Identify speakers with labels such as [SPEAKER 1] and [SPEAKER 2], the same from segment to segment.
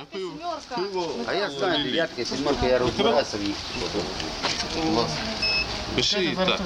[SPEAKER 1] А я знаю, дев'ятка, сімерка, я розбирався в їх.
[SPEAKER 2] Пиши так.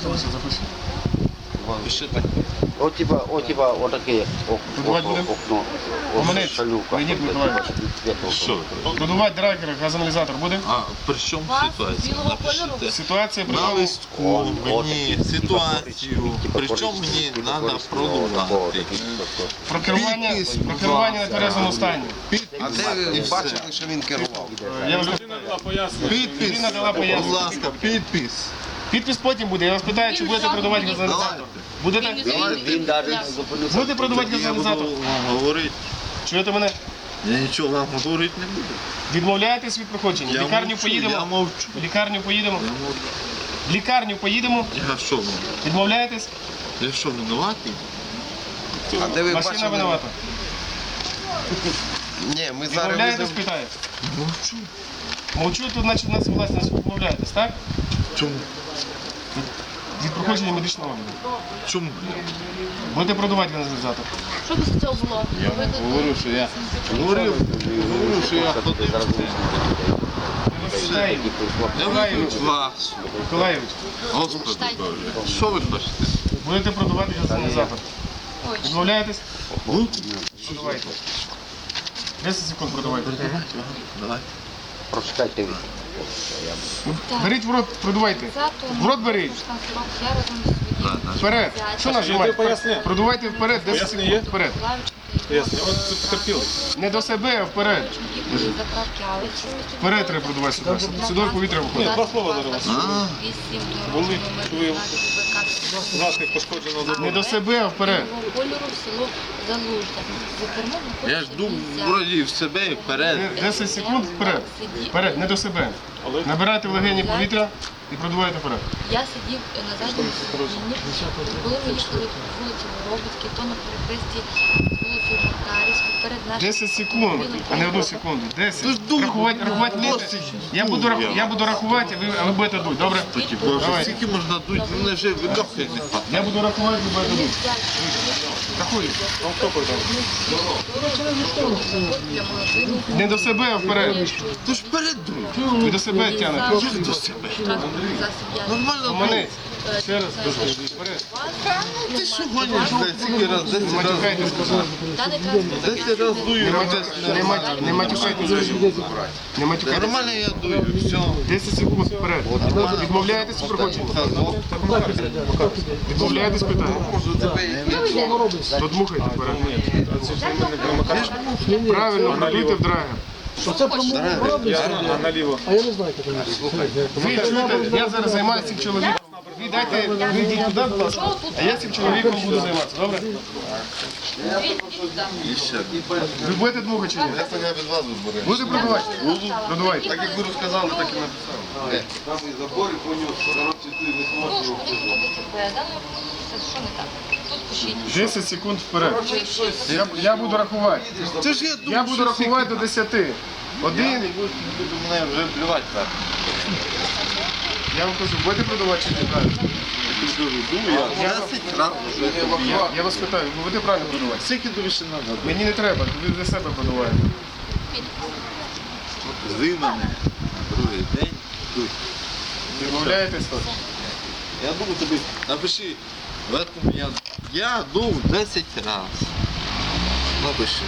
[SPEAKER 2] Пиши так.
[SPEAKER 1] От типа, отаке окно. Шалюка.
[SPEAKER 2] Що?
[SPEAKER 3] Продувати драгер, газоаналізатор буде?
[SPEAKER 2] А при чому ситуація? Напишіть.
[SPEAKER 3] Ситуація при
[SPEAKER 2] На
[SPEAKER 3] тому,
[SPEAKER 2] листку мені ситуацію, причому мені треба продувати.
[SPEAKER 3] про керування на тверезому стані.
[SPEAKER 2] А де ви бачили,
[SPEAKER 4] що він керував?
[SPEAKER 3] Я вам
[SPEAKER 2] підпис?
[SPEAKER 3] Людина дала пояснення.
[SPEAKER 2] Будь ласка, підпис.
[SPEAKER 3] Підпис потім буде. Я вас питаю, чи будете продавати газоаналізатор. Будете?
[SPEAKER 1] Він навіть не зупинився.
[SPEAKER 3] Будете продавати
[SPEAKER 2] Я буду
[SPEAKER 3] газоаналізатор?
[SPEAKER 2] вам говорити.
[SPEAKER 3] Чуєте мене?
[SPEAKER 2] Я нічого вам говорити не буду.
[SPEAKER 3] Відмовляєтесь від проходження? В
[SPEAKER 2] Я
[SPEAKER 3] лікарню
[SPEAKER 2] мовчу, я
[SPEAKER 3] поїдемо?
[SPEAKER 2] мовчу.
[SPEAKER 3] В лікарню поїдемо?
[SPEAKER 2] Я мовчу.
[SPEAKER 3] В лікарню поїдемо?
[SPEAKER 2] Я що, ну?
[SPEAKER 3] Відмовляєтесь?
[SPEAKER 2] Я що, винуватий?
[SPEAKER 4] А де ви
[SPEAKER 3] Машина
[SPEAKER 4] бачили?
[SPEAKER 3] винувата.
[SPEAKER 4] Ні, ми зараз
[SPEAKER 3] Відмовляєтесь,
[SPEAKER 4] веземо.
[SPEAKER 3] питаю.
[SPEAKER 2] Мовчу.
[SPEAKER 3] Мовчу, тут значить нас власне відмовляєтесь, так?
[SPEAKER 2] Чому?
[SPEAKER 3] Від проходження медичного огляду.
[SPEAKER 2] Чому?
[SPEAKER 3] Будете продавати газоаналізатор?
[SPEAKER 5] Що після цього було?
[SPEAKER 2] Говорю, що я говорив, що я ходив. Я виключ вас.
[SPEAKER 3] Миколаївич,
[SPEAKER 2] Господи Боже. Що ви хочете?
[SPEAKER 3] будете продавати газоаналізатор? Відмовляєтесь? Продавайте. 10 секунд продавайте.
[SPEAKER 2] Давай.
[SPEAKER 1] Прочитайте ви.
[SPEAKER 3] Беріть в рот, продавайте. В рот беріть.
[SPEAKER 5] Я разом з водієм.
[SPEAKER 3] Вперед. Що нажимаєте? Продавайте вперед, 10 секунд вперед. Не до себе, а вперед.
[SPEAKER 5] Заправки, але чомусь
[SPEAKER 3] Вперед треба продавати сюди. Сюди повітря виходить. Не до себе, а вперед.
[SPEAKER 5] Кольору в село Залужне. За кермом
[SPEAKER 2] Я ж думав, вроді в себе і вперед.
[SPEAKER 3] 10 секунд вперед. Вперед, не до себе. Набирайте в легені повітря і продавайте вперед.
[SPEAKER 5] Я сидів на задньому сидінні, коли ми їхали по вулиці Воробицькій, то на перехресті з вулицею Макарівською, перед нашим
[SPEAKER 3] 10 секунд, а не 1 секунду. 10.
[SPEAKER 2] Ти ж думав,
[SPEAKER 3] Рахувати вмієте? Я буду рахувати, а ви будете дуть, добре?
[SPEAKER 2] Такі, Боже,
[SPEAKER 3] Давай.
[SPEAKER 2] скільки можна дуть? Мене вже видохи не хватає.
[SPEAKER 3] Я буду рахувати, ви будете дуть. Рахуй. Не до себе, а вперед.
[SPEAKER 2] Ти ж вперед дуй.
[SPEAKER 3] Ви до себе тягнете.
[SPEAKER 2] Як до себе?
[SPEAKER 5] транспортний засіб я
[SPEAKER 2] Нормально дуй.
[SPEAKER 3] Поманець. Ще раз. Вперед.
[SPEAKER 2] Ти що гониш? Скільки раз? 10 разів.
[SPEAKER 3] Матюкайтесь, сказав.
[SPEAKER 5] даний транспорт
[SPEAKER 2] 10 разів дую.
[SPEAKER 3] Не матюкайтесь. Не матюкайтесь.
[SPEAKER 2] Нормально я дую. Все.
[SPEAKER 3] 10 секунд вперед. Відмовляєтесь від проходження? Відмовляєтесь, питання? Подмухайте вперед. Правильно, продуйте в драгер. Ви чуєте, я зараз займаюся цим чоловіком. Ви дайте, ви йдіть туди, будь ласка, а я цим чоловіком буду займатися, добре?
[SPEAKER 2] І ще.
[SPEAKER 3] Ви будете дмухати чи ні?
[SPEAKER 4] Я від вас виберу.
[SPEAKER 3] Будете продавати? Продавайте.
[SPEAKER 4] Так як ви розказали, так і написали. Там і забори понюс, коротше, ти не
[SPEAKER 5] Ну,
[SPEAKER 4] зможеш.
[SPEAKER 5] що він ходить передано, що не так? Тут пишіть.
[SPEAKER 3] 10 секунд вперед. Я буду рахувати.
[SPEAKER 2] Це ж я думаю,
[SPEAKER 3] Я буду рахувати до 10. Один.
[SPEAKER 2] буду мене вже плювати так.
[SPEAKER 3] Я вам кажу, будете продавати чи ні? Правильно.
[SPEAKER 2] Я 10 разів вже тобі.
[SPEAKER 3] Я вас питаю, ви будете правильно продавати?
[SPEAKER 2] Скільки тобі ще треба?
[SPEAKER 3] Мені не треба, ви для себе продаваєте.
[SPEAKER 2] Зви мене. Другий день. Дуй.
[SPEAKER 3] Відмовляєтесь?
[SPEAKER 2] Я думаю тобі, напиши, в этом я дув 10 разів. Напиши.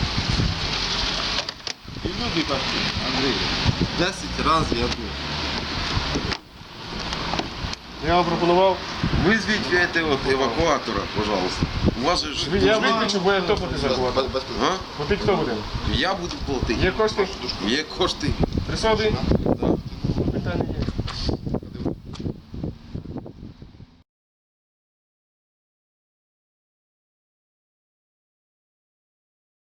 [SPEAKER 2] І люди так, Андрій, 10 разів я дув.
[SPEAKER 3] Я вам пропонував.
[SPEAKER 4] Визвіть этого евакуатора, пожалуйста. У вас же ж...
[SPEAKER 3] Я виключу, бо я хто платить зарплату.
[SPEAKER 4] А?
[SPEAKER 3] Платить хто буде?
[SPEAKER 4] Я буду платити.
[SPEAKER 3] Є кошти?
[SPEAKER 4] Є кошти.
[SPEAKER 3] Присади?